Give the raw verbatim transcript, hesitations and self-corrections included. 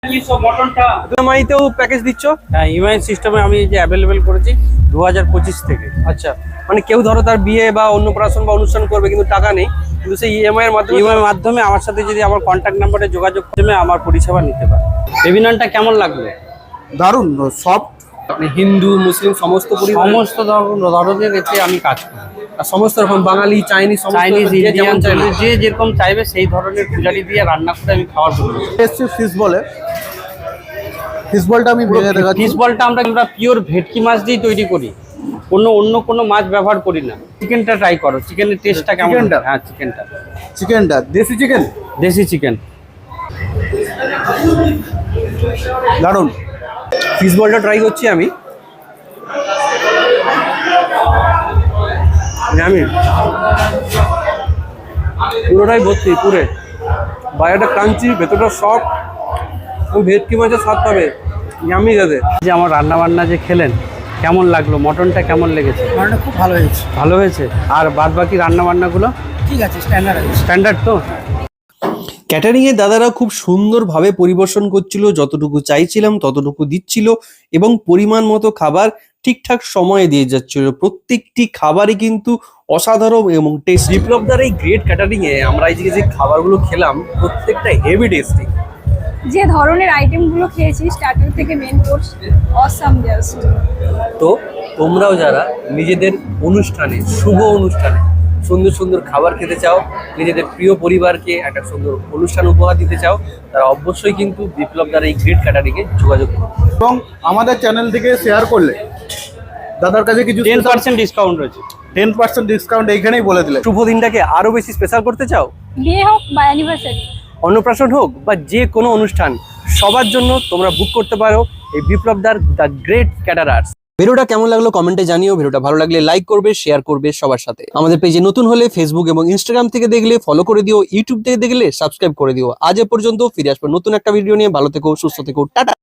ইএমআইতেও package দিচ্ছ? হ্যাঁ, EMI সিস্টেমে আমি যে অ্যাভেলেবেল করেছি দু হাজার পঁচিশ থেকে। আচ্ছা, মানে কেউ ধরো তার বিয়ে বা অন্নপ্রাশন বা অনুষ্ঠান করবে কিন্তু টাকা নেই, কিন্তু সেই ইএমআই এর মাধ্যমে ইএমআই এর মাধ্যমে আমার সাথে যদি আমার কন্ট্যাক্ট নাম্বারে যোগাযোগ করে আমার পরিষেবা নিতে পারে। বেবিনানটা কেমন লাগলো? দারুণ সফট। আপনি হিন্দু মুসলিম সমস্ত পরিবার সমস্ত ধরন- ধরনের এতে আমি কাজ করি। আর সমস্ত রকম বাঙালি চাইনিজ সমস্ত চাইনিজ, যে যেমন ইন্ডিয়ান, চাইবে। যে যেরকম চাইবে সেই ধরনের পূজারি দিয়ে রান্না করে আমি খাওয়ার করি। এসছি ফিশ বলে, ফিশ বলটা আমি ভেঙে দেখাচ্ছি। ফিশ বলটা আমরা আমরা পিওর ভেটকি মাছ দিয়ে তৈরি করি, কোনো অন্য কোনো মাছ ব্যবহার করি না। চিকেনটা ট্রাই করো, চিকেনের টেস্টটা কেমন? চিকেনটা? হ্যাঁ, চিকেনটা চিকেনটা দেশি চিকেন, দেশি চিকেন। দারুণ। ফিশ বলটা ট্রাই করছি আমি। আমি পুরোটাই ভর্তি, পুরে বাইরেটা ক্রাঞ্চি, ভেতরটা সফট, ভেটকি মাছের স্বাদ পাবে। ইয়ামি যাতে যে আমার রান্না বান্না যে খেলেন কেমন লাগলো? মটনটা কেমন লেগেছে? রান্নাটা খুব ভালো হয়েছে। ভালো হয়েছে। আর বাদ বাকি রান্না বান্নাগুলো ঠিক আছে, স্ট্যান্ডার্ড আছে। স্ট্যান্ডার্ড তো? ক্যাটারিংয়ের দাদারা খুব সুন্দরভাবে পরিবেশন করছিল, যতটুকু চাইছিলাম ততটুকু দিচ্ছিল এবং পরিমাণ মতো খাবার ঠিকঠাক সময়ে দিয়ে যাচ্ছিল। প্রত্যেকটি খাবারই কিন্তু অসাধারণ এবং টেস্ট। বিপ্লবদার এই গ্রেট ক্যাটারিংয়ে আমরা এই যে যে খাবারগুলো খেলাম প্রত্যেকটা হেভি টেস্টি। যে ধরনের আইটেমগুলো খেয়েছি স্টার্টার থেকে মেন কোর্স, অসাম জাস্ট। তো তোমরাও যারা নিজেদের অনুষ্ঠানে, শুভ অনুষ্ঠানে সুন্দর সুন্দর খাবার খেতে চাও, নিজেদের প্রিয় পরিবারকে একটা সুন্দর অনুষ্ঠান উপহার দিতে চাও, তারা অবশ্যই কিন্তু বিপ্লবদার এই গ্রেট ক্যাটারিংয়ে যোগাযোগ করো এবং আমাদের চ্যানেল থেকে শেয়ার করলে দাদার কাছে কিছু টেন পার্সেন্ট ডিসকাউন্ট রয়েছে। টেন পার্সেন্ট ডিসকাউন্ট এইখানেই বলে দিলে। শুভ দিনটাকে আরো বেশি স্পেশাল করতে চাও, বিয়ে হোক বা অ্যানিভার্সারি, অন্নপ্রাশন হোক বা যে কোনো অনুষ্ঠান, সবার জন্য তোমরা বুক করতে পারো এই বিপ্লবদার দ্য গ্রেট ক্যাটারার্স। ভিডিওটা কেমন লাগলো কমেন্টে জানিও। ভিডিওটা ভালো লাগলে লাইক করবে, শেয়ার করবে সবার সাথে। আমাদের পেজে নতুন হলে ফেসবুক এবং ইনস্টাগ্রাম থেকে দেখলে ফলো করে দিও, ইউটিউব থেকে দেখলে সাবস্ক্রাইব করে দিও। আজ এ পর্যন্ত, ফিরে আসবো নতুন একটা ভিডিও নিয়ে। ভালো থেকো, সুস্থ থেকো, টাটা।